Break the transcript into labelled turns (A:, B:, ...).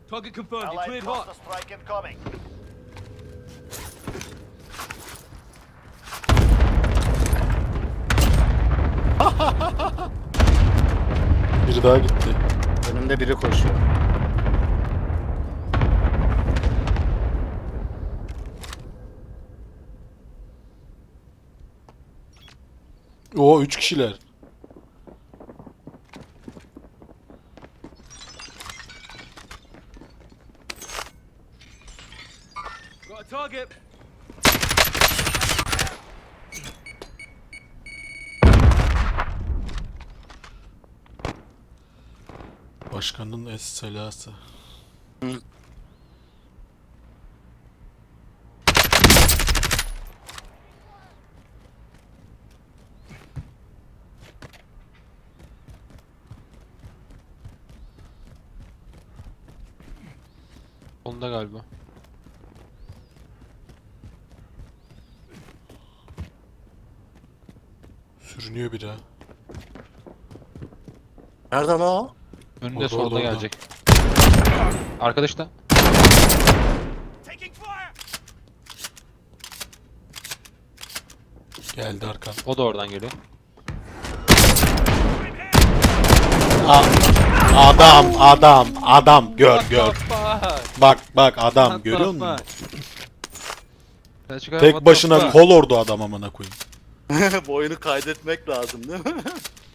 A: Target confirmed. You're
B: Allied
A: cleared hot.
B: cluster strike incoming.
C: Biri daha gitti.
D: Önümde biri koşuyor.
C: Oo 3 kişiler.
A: Got a target.
C: Başkanın es-selası.
E: Onda galiba.
C: Sürünüyor biri ha.
D: Nereden o?
E: Önünde
C: Orada,
E: solda
C: orada.
E: gelecek. Arkadaş da.
B: Taking fire!
C: Geldi arkan.
E: O da oradan geliyor.
C: Adam gör. Bak adam görüyor musun? Tek başına kol ordu adam amına koyayım.
D: Bu oyunu kaydetmek lazım değil mi?